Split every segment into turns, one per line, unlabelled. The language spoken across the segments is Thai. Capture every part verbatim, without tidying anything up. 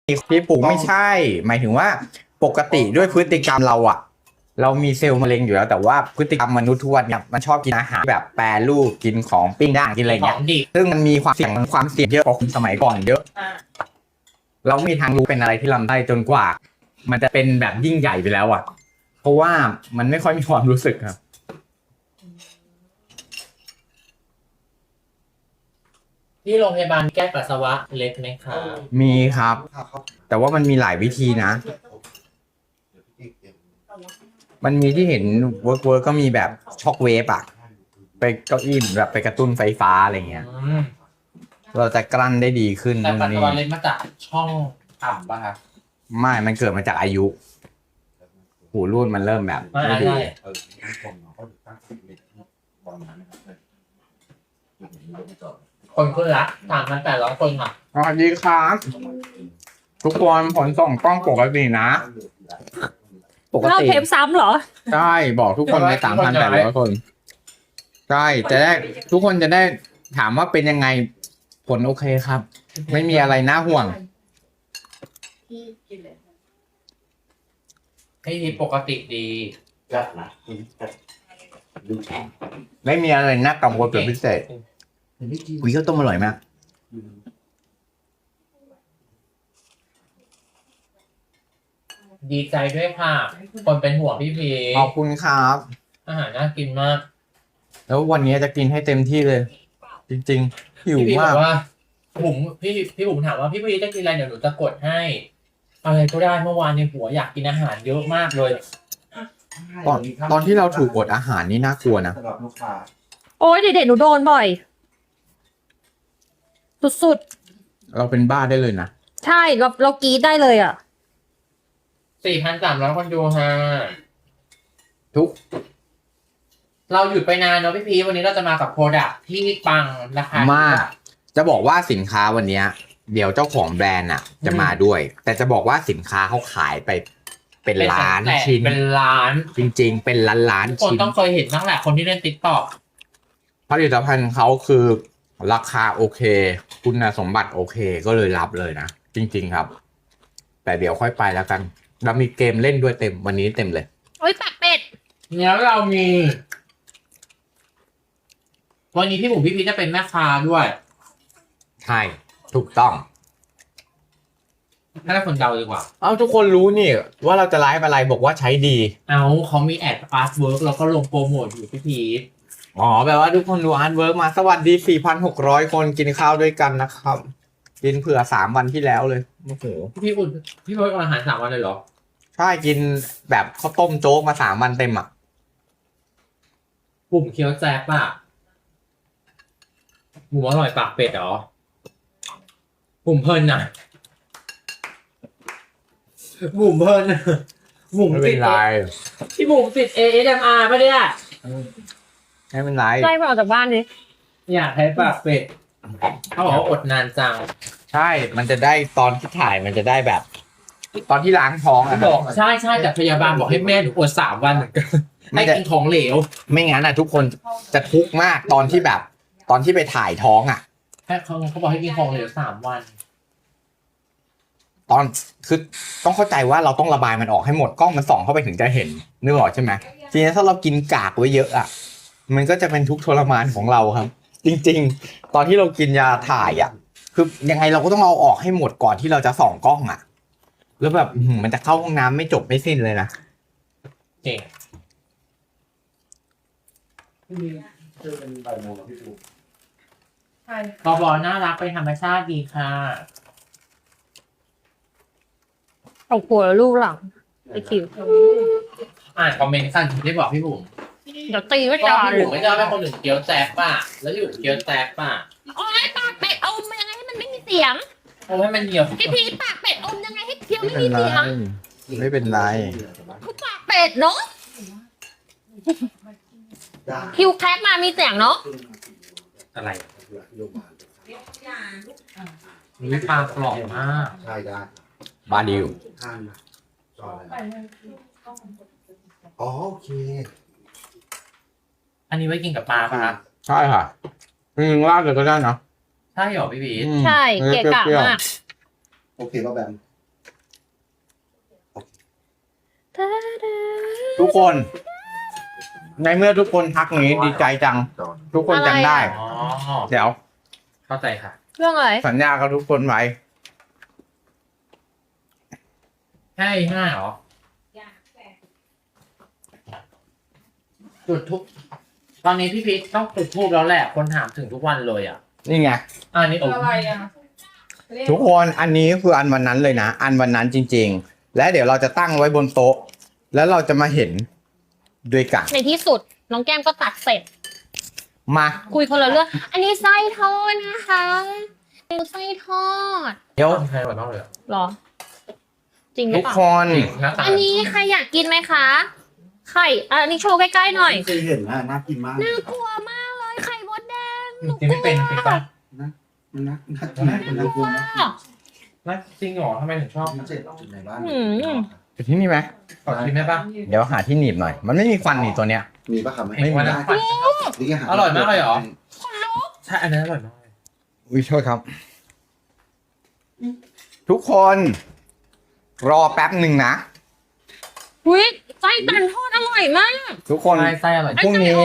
พี่ปลูกไม่ใช่ หมายถึงว่าปกติด้วยพฤติกรรมเราอะเรามีเซลล์มะเร็งอยู่แล้วแต่ว่าพฤติกรรมมนุษย์ทุกวันเนี่ยมันชอบกินอาหารแบบแปรรูปกินของปิ้งย่างกินอะไรเงี้ยซึ่งมันมีความเสี่ยงความเสี่ยงเยอะกว่าสมัยก่อนเยอะเราไม่มีทางรู้เป็นอะไรที่ลำได้จนกว่า มันจะเป็นแบบยิ่งใหญ่ไปแล้วอะเพราะว่ามันไม่ค่อยมีความรู้สึกครับ
ที่โรงพยาบาลแก้ปัสสาวะเล็กไหมคะ
มีครับ แต่ว่ามันมีหลายวิธีนะ มันมีที่เห็นเวิร์กเวิร์กก็มีแบบช็อคเวฟอะไปเก้าอี้แบบไปกระตุ้นไฟฟ้าอะไรเงี้ย
อืม
เราจะกลั้นได้ดีขึ้น
แต่ปัส
นี่
สาวะเล็กมาจากช่องต่ำป่ะครับ
ไม่ มันเกิดมาจากอายุ หูรูดมันเริ่มแบบ
ไม่
ไม่ดี
ใช่คนขึ้นละสามพันแปดร้อยคนค่ะ
สวัสดีครับ ทุกคนผลส่งกล้องปกตินะ ปก
เรา
ติ
เทปซ้ำเหรอ
ใช่บอกทุกคนในสามพันแปดร้อยคน ใช่จะได้ทุกคนจะได้ถามว่าเป็นยังไงผลโอเคครับ ไม่มีอะไรน่าห่วง
ให้ทีปกติดี
ไม่มีอะไรน่ากังวลเป็นพิเศษคุยข้าวต้มอร่อยมาก
ดีใจด้วยค่ะ คนเป็นห่วงพี่พี
ขอบคุณครับ
อาหารน่ากินมาก
แล้ววันนี้จะกินให้เต็มที่เลย จริงๆหิว
พี่พีบ
มา
อก กว่าผมพี่พี่ผมถามว่าพี่พีจะกินอะไรเดี๋ยวหนูจะกดให้ อะไรก็ได้เมื่อวานในหัวอยากกินอาหารเยอะมากเลย
ตอนตอนที่เราถูกอดอาหารนี่น่ากลัวนะ
สำหรับลูกค้า
โอ้ยเด็กๆหนูโดนบ่อย สุด
เราเป็นบ้าได้เลยนะ
ๆ ใช่เราเรากรีดได้เลยอ่ะ
สี่พันสามร้อยคนดูฮะ
ทุก
เราหยุดไปนานเนาะพี่พีวันนี้เราจะมากับโปรดักที่ปังราคาม
าก จะบอกว่าสินค้าวันเนี้ยเดี๋ยวเจ้าของแบรนด์อ่ะ จะมาด้วย แต่จะบอกว่าสินค้าเขาขายไปเป็นล้าน
แส
ชิ้น
เป็นล้าน
จริง ๆ เป็นล้านล้าน
คน
ชิ้น
ต้องเคยเห็นตั้งแหละคนที่เล่นติ๊กต็อก
ผลิตภัณฑ์เขาคือราคาโอเค คุณสมบัติโอเคก็เลยรับเลยนะ จริง ๆครับ แต่เดี๋ยวค่อยไปแล้วกันเรามีเกมเล่นด้วยเต็มวันนี้เต็มเลย
โอ้ยปากเป็ด
แล้วเรามี วันนี้พี่หมูพี่พีจะเป็นแม่ค้าด้วย
ใช่ ถูกต้อง
ให้คนเดาดีกว่า
เอาทุกคนรู้นี่ ว่าเราจะไลฟ์อะไรบอกว่าใช้ดี
เอาเขามีแอดอาร์ตเวิร์กแล้วก็ลงโปรโมทอยู่พี่พีท
อ๋อแปลว่าทุกคนดูอาร์ตเวิร์กมาสวัสดี สี่พันหกร้อย คนกินข้าวด้วยกันนะครับ กินเผื่อสามวันที่แล้วเลยโอ้โห
พี่พีทอุ่นพี่พีทอาหารสามวันเลยเหรอ
ใช่กินแบบข้าวต้มโจ๊กมาสามวันเต็มอ่ะ
บุ่มเคี้ยวแจ๊บอะบุ่มอร่อยปากเป็ดเหรอบุ่มเพลินนะบุ่มเพลินนะบุ่ม
ไม่เป็
ติ
น
ด
ไร
พี่บุ่มติด เอ เอส เอ็ม อาร์ ป่ะเนี่ย
ไม่เป็นไร
ไล่มาออกจากบ้านดิ
อยากให้ปากเป็ดเขาบอกว่าอดนานจัง
ใช่ มันจะได้ตอนที่ถ่ายมันจะได้แบบ ตอนที่ล้างท้องอะครับ
บอกใช่ใช่แต่พยาบาลบอกให้แม่หนูอดสามวันเหมือนกัน
ไม่
ให้
ได้
กินของเหลว
ไม่งั้นอ่ะ ทุกคนจะทุกข์มากตอนที่แบบ ตอนที่ไปถ่ายท้องอ่ะ
ให้เขาเขาบอกให้กินของเหลวสามวัน
ตอนคือต้องเข้าใจว่าเราต้องระบายมันออกให้หมดกล้องมันส่องเข้าไปถึงจะเห็นนึกออกใช่ไหมทีนี้ถ้าเรากินกากไว้เยอะอ่ะมันก็จะเป็นทุกข์ทรมานของเราครับ จริงๆ ตอนที่เรากินยาถ่ายอ่ะ คือยังไงเราก็ต้องเอาออกให้หมดก่อนที่เราจะส่องกล้องอ่ะ แล้วแบบอื้อหือมันจะเข้าห้องน้ำไม่จบไม่สิ้นเลยนะ
เก่ง
คือเป็นใบโมงแล้วพี่ปู
บอบอน่ารักเป็นธรรมชาติดีค่ะ
เอาหัวลูกหลังไอคิว
อ่านคอมเมนต์สั้นที่ได้บอกพี่บุ๋ม
เดี๋ยวตีไว้
ก็
ก่อน
พี่บุ๋มไม่ชอบให้คนอื่นเคี้ยวแจ๊บป่ะแล้วพี่บุ๋มเคี้ยวแจ๊บป่ะ
โอ้ยปากเป็ดอมยังไงให้มันไม่มีเสียง
เอาให้มันเหนียว
พี่พีปากเป็ดอมยังไงให้เคี้ยว
ไม่
ไม่
เป็น
มี
ไร
เสียง
ไม่เป็นไร
คือปากเป็ดเนาะคิวแคปมามีเสียงเนาะ
อะไรมีปลากรอบมาก
ใช่ได้
บาดิว
ห้ามนะจออะไรอ๋อโอเค
อันนี้ไว้กินกับปลาป่ะครับ
ใช่ค่ะจริงๆราดเลยก็ได้นะ
ใช่เหรอพี่บีท
อืม
ใช่เกะกะ
ปรี้ยวๆ
มาก
โอเคป่ะแบม
ทุกคน ในเมื่อทุกคนทักอย่างนี้ดีใจจัง ทุกคนจำได้
อ๋อ
เดี๋ยว
เข้าใจค่ะ
เรื่องอะไร
สัญญากับทุกคนไว้
แค่ห้าเหรอ จุดทุก ตอนนี้พี่พีชต้องจุดทูบแล้วแหละ คนถามถึงทุกวันเลยอ่ะ
นี่ไง
อันนี้โอ้
อะไรอ่ะ
ทุกคนอันนี้คืออันวันนั้นเลยนะ อันวันนั้นจริง ๆ และเดี๋ยวเราจะตั้งไว้บนโต๊ะ แล้วเราจะมาเห็นด้วยกัน
ในที่สุดน้องแก้มก็ตัดเสร็จ
มา
คุยคนละเรื่อง อันนี้ไส้ทอดนะคะเป็นไส้ทอด
เดี๋ยว
ใครอร่อยมากเลยอะ
เหรอ จริงหรื
ทุ
อก เปล่า
คน
จริงหน้าตา
อันนี้ใครอยากกินไหมคะ ไข่อะอันนี้โชว์ใกล้ๆหน่อย
เคยเห็นนะน่ากินมาก
น่ากลัวมากเลยไข่มดแดงหนู
จริงไม่เป็นเป็นปะ
มันน่าน่ากินมากคนละคนนะ
น่าจริงเหรอทำไมถึงชอบ
พิเศษจุดไหนบ้าง
อยู่ที่นี่ไหม
ขอชิมได้ปะ
เดี๋ยวหาที่หนีบหน่อย มันไม่มีควันหนีบตัวเนี้ย
มีปะครับ
ไม่มี
วันนั้นฝัน อร่อยมากเลยเหรอ ใช่ อันนั้นอร่อยมากเลย
อุ้ยโทษครับ ทุกคน รอแป๊บหนึ่งนะ
อุ้ยไส้ตันทอดอร่อยมาก
ทุกคน
ใช่ไส้อร่อย
พรุ่งนี้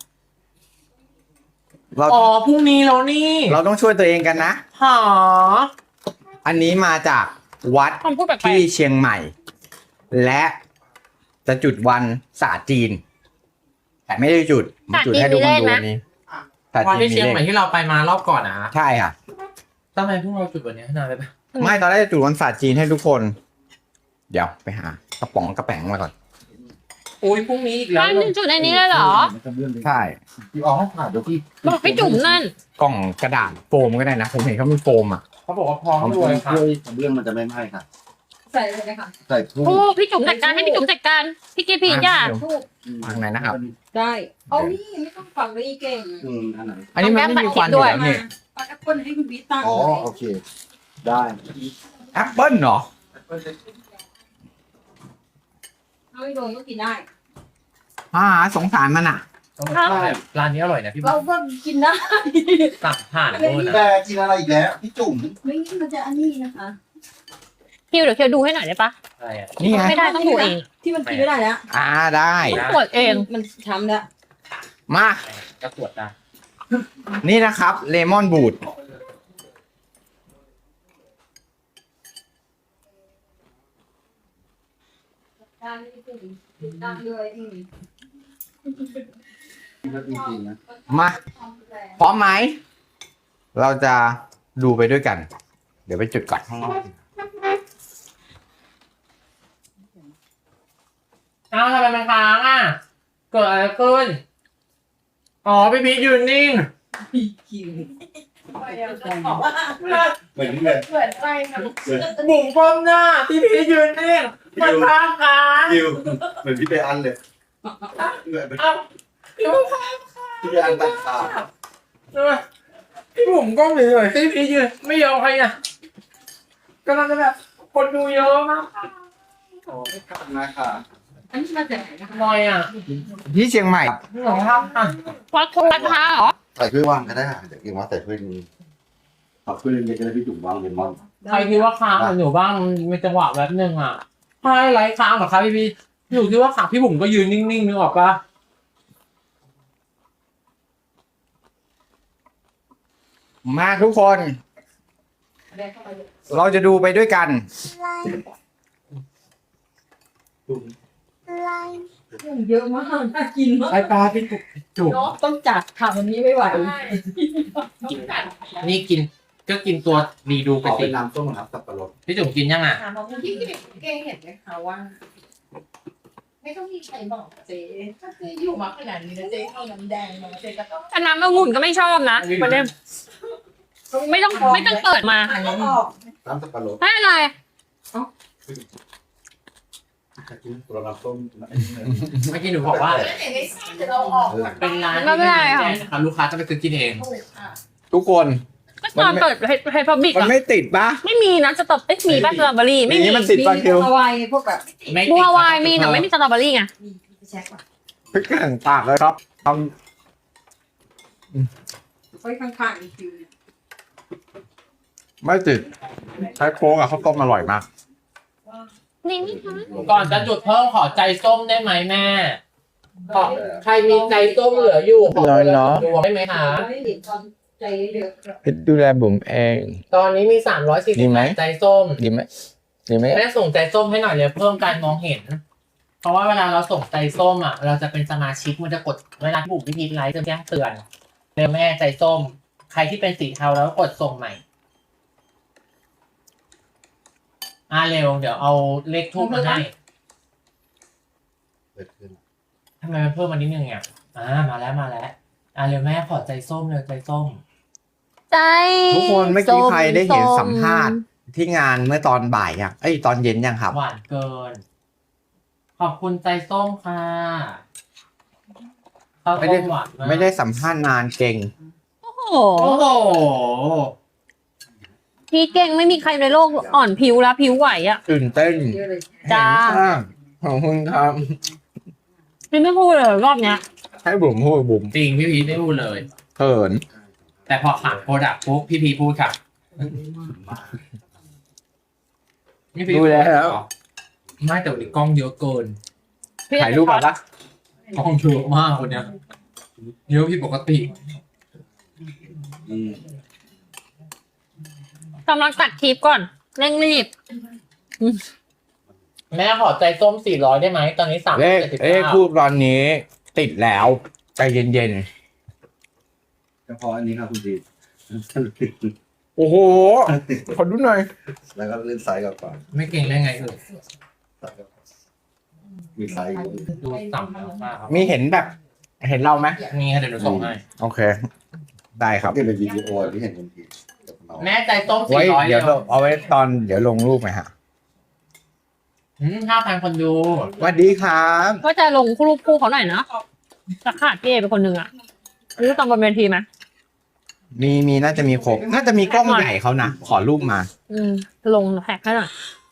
เรา
อ๋อพรุ่งนี้แล้วนี่
เราต้องช่วยตัวเองกันนะ
หา
อันนี้มาจากวัด
คำพูดแปลก
ที่เชียงใหม่ และจะจุดวันศาสตร์จีน แต่ไม่ได้จุดมาจุดให้ทุกคนดูวันนี้ศาสตร์
วัน
จีน
ที่
มี
เชียง
เล
ใหม่
ข
ที่เราไปมารอบก่อนนะ
ใช่ค่ะ
ทำไมพวกเราจุดวันนี้นานไปปะ
ไม่ตอนแรกจะจุดวันศาสตร์จีนให้ทุกคน เดี๋ยวไปหากระป๋องกระแป๋งมาก่อน
โอ้ยพรุ่งนี้อีก
ๆ
แล้ว
นั่นจุดในนี้เลยเหรอ
ใช่
พี่อ๋อผ่านเดี๋ยวพี่
บอกพี่จุ๋มนั่น
กล่องกระดาษโฟมก็ได้นะ ผมเห็นเขามีโฟมอ่ะ
เขาบอกว่าพร้อม
ทำ
รวยค่ะ
เรื่องมันจะไม่ไหม้ค่ะ
ใส่เลยนะคะ
ใส่ทุ่ง
โอ้พี่จุ๋มจัดการให้พี่จุ๋มจัดการ พี่กีพีจ้า
เดี๋ยว
ทูบ
ทางไหนนะครับ
ได้ เอานี่ไม่ต้องฝังเลยเก่ง
อืมอันไหน
อันนี้มันไม่มีควันอยู่แล้วนี่
ปัดแอปเปิ้ลให้คุณบิ๊กตั้ง
อ๋อโอเค ได้
แอปเปิ้ลเหรอ
เอาไปโดนก็กินได้
อ่าสงสารมันอ่ะ
ร้านนี้อร่อยนะพี่
เราก็กินได้
สั่งผ่านโน่นนะ
แต่กินอะไรอีกแล้วพี่จุ๋ม
ไม่งั้นมันจะอันนี้นะคะ
คิวเดี๋ยวคิวดูให้หน่อยได้ปะ
อะไรอ่ะ
นี่ไง
ไม่ได้ต้องดูเอง
ที่มันกินไม่ได้แล้ว
อ่าได้
ต้องตรวจเอง
มันช้ำแล้ว
มา
ก็ตรวจได้
นี่นะครับเลมอนบูด
ได้ไม่ถึงดังเลยอืม
จริงๆนะ
มาพร้อมไหม เราจะดูไปด้วยกัน เดี๋ยวไปจุดก่อน
อ้าวทำไมมันค้างอ่ะ เกิดอะไรขึ้น อ๋อพี่พีชยืนนิ่ง
คิว
เหมือนที่เลย
เหมือนไปนะ
บุ๋มก้มหน้าพี่พีชยืนนิ่งมันค้างค้าง
คิวเหมือนพี่ไปอันเลยเหมือน
เอ้าพี่บุ๋มค้าง
พี่ไปอันตัดขาด
พี่บุ๋มก้มเลยพี่พีชยืนไม่ยอมใครอ่ะกำลังจะแบบคนดูเยอะมาก
โอ้ไม่ทำนะค่ะ
อันนี้มาจากไหนนะคะ
หน่อยอ่ะ
ที่เชียงใหม่
พี่บุ๋มทำอ่ะ
วัดวัดพระเหรอ
ใส่ถ้วยวางก็ได้ค่ะเดี๋ยวเองว่าใส่ถ้วยนี้เอาถ้วยเล็กๆก็ได้พี่จุ๋มวางเลมอน
ใครคิดว่าค้างอยู่บ้างมีจังหวะแบบนึงอ่ะใช่ไรค้างเหรอครับพี่พีชอยู่ที่ว่าขาพี่บุ๋มก็ยืนนิ่งๆนึกออกปะ
มาทุกคน เราจะดูไปด้วยกัน
เยอะมากน่ากินมาก
ไอปลาพี่จุกจุก
เนาะต้องจัดค่ะวันนี้ไม่ไหว
นี่กินก็กินตัวรีดูไป
ขอ
สิ
เป็นน้ำส้มครับสับปะรด
พี่จุ๋มกินยังอ่ะ
ถามน้องที่เก่งเห็นไหมคะว่า ไม่ต้องมีใครบอกเจ๊ถ้าเจ๊อยู่มาขนาดนี้นะเจ๊เอาน้ำแดงมาเจ๊ก็ต้อง
แต่น้ำองุ่นก็ไม่ชอบนะประเด็นไม่ต้องไม่ต้องเปิดมา
อ่านแล้วออก
น้ำสับปะรด
ไม่อะไร
จะกินตัวน้ำส้ม
เมื่อกี้หนูบอกว่า
เห็นในไส้เราออก
เป็นร้าน
ไม่เป็นไรค่ะ
นะคะลูกค้าจะไปซื้อกินเอง
ถูกค่ะ
ทุกคน
ก็ตอนเปิดไฮพับบิก
มัน
อะ
ไม่ติดปะ
ไม่มีนะสตรอเอ้ยมีป่ะสตรอเบอรี่ไม่
อย่าง
มี
นี้มันติดปะคิว
ฮาวายพวกแบบ
ไม่
บัววายมีแต่ไม่มีสตรอเบอรี่ไง
มีไปเช็คก่อน
พริกแกงปากเลยครับท
ไว้ข้างๆอีกคิวเนี่ย
ำไม่ติดใช้โค้กอะข้าวต้มอร่อยมาก
นี่ไหมคะ
ก่อนจะจุดเพิ่มขอใจส้มได้ไหมแม่ขอใครมีใจส้มเหลืออยู่ขอคนละดวงได้ไหมคะ
ใจเดือด
เพชรดูแลบุ๋มเอง
ตอนนี้มีสามร้อยสี่
ดี
สิบ
ไหม
ใจส้ม
ดีไหมดีไหม
แม่ส่งใจส้มให้หน่อยเลยเพิ่มการมองเห็น เพราะว่าเวลาเราส่งใจส้มอ่ะ เราจะเป็นสมาชิกมันจะกดเวลาที่บุ๋มวิธีไลฟ์จะแจ้งเตือนเร็วแม่ใจส้ม ใครที่เป็นสีเทาแล้วกดส่งใหม่อ่าเร็วเดี๋ยวเอาเลขทูบมาให้
เกิดขึ้น
ทำไมมันเพิ่มมานิดนึงอ่ะอ่ามาแล้วมาแล้วอ่าเร็วแม่ขอใจส้มเลยใจส้ม
ใจ
ทุกคนเมื่อกี้ใครได้เห็น
ส้
สัมภาษณ์ที่งานเมื่อตอนบ่ายยังเอ้ยตอนเย็นยังครับ
หวานเกิน ขอบคุณใจส้มค่ะข้าว
ไม่
ต้
ได้
มหวานาก
ไม่ได้สัมภาษณ์นานเก่ง
โอ้โห
โอ้โห
พี่เก่งไม่มีใครในโลกอ่อนผิวแล้วผิวไหวอ่ะ
ตื่นเต้น
จ้า
เห็นมากขอบคุณครับ
พี่ไม่พูดเลยรอบเนี้ย
ให้บุ๋มพูดบุ๋ม
จริงพี่พีชไม่พูดเลย
เขิน
แต่พอขายโปรดักต์ปุ๊บพี่พีชพูดค่ะพี่พีช
ดูแล้ว
ไม่แต่วันนี้กล้องเยอะเกิน
พี่
ถ่ายรูปมาปะ
กล้องเยอะมากคนเนี้ยเยอะผิดปกติ
อืม
กำลังตัดคลิปก่อนเร่งรีบ
แม่ขอใจส้มสี่ร้อยได้ไหมตอนนี้สาม
เลข
เจ็ดสิบ
เลข
เก้า
ทูบตอนนี้ ติดแล้ว ใจเย็น
เฉพาะอันนี้ครับคุณดี
ๆ โอ้โห ขอดูหน่อย
แล้วก็เล่นซ้ายกับขวา
ไม่เก่งได้ไงเออ
ซ้ายกับขวามีซ้ายอยู่
ดูต่ำแล้วมากครับ
มีเห็นแบบ เห็นเราไหม
มีค่ะเดี๋ยวหนูส่งให้
โอเค ได้ครับ
ที่เป็นวิดีโอที่เห็นคุณดีกับน้อง
แม่ใจส้ม
ไว้
สี่ร้อย
เดี๋ยว
เร็ว
เอาไว้ตอนเดี๋ยวลงรูปไหมฮะ
ห้าพันคนดู
สวัสดีครับ
ก็จะลงรูปคู่เขาหน่อยนะจะขาดพี่เอเป็นคนหนึ่งอ่ะรู้ตอนบนเวทีไหม
มีมีน่าจะมีครบ น่าจะมีกล้องใหญ่เขานะ ขอรูปมา
อืมลงแท็กให้หน่อย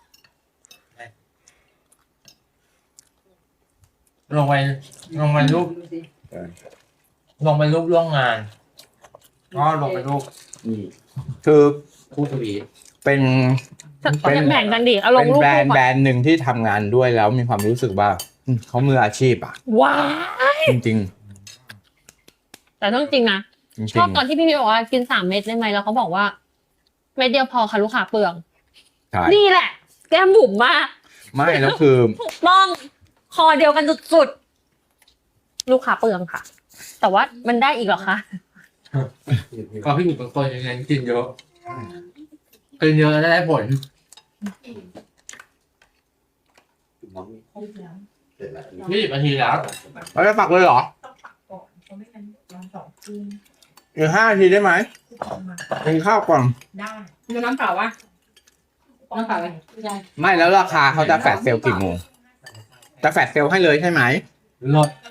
ลงไปลงไปรูป ลงไปรูปร่วมงานก็ลงไปรูป
อืม
คือ
คู่ทวีต
เป็น เป็น
แบ่งกันดิเอาล
เป็
ง
น
รูป
แบร
คู่
นด์
ก่
แบร
อน
นด์หนึ่งที่ทำงานด้วยแล้วมีความรู้สึกว่าอืมเขามืออาชีพอ่ะ
ว้าย
จริง
แต่ต้องจริงนะ
ๆจริง
ชอบตอนที่พี่พี่บอกว่ากินสามเม็ดได้ไหมแล้วเขาบอกว่า เม็ดเดียวพอค่ะลูกค้าเปลือง
ๆใช่
นี่แหละ แก้มบุ๋มมาก
ไม่แล้วคือ
ถูกต้องคอเดียวกันสุดๆลูกค้าเปลืองค่ะ แต่ว่ามันได้อีกเหรอคะ
ก็พี่บุ๋มเป็นคนยังไงกินเยอะกินเยอะแล้วได้ผล
น้องเสร็จแล้ว
ยี่สิบนาทีแล้ว
เราจะปักเลยเหรอ
เขาไม่กันวันสองคืน
อีกห้านาทีได้ไหมกินข้าวก่อน
ได้มีน้ำเปล่าวะน้ำเปล่าอะไรไม่ได้
ไม่แล้วราคาเขาจะแฟลชเซลล์กี่โมงจะแฟลชเซลล์ให้เลยใช่ไหม
ลด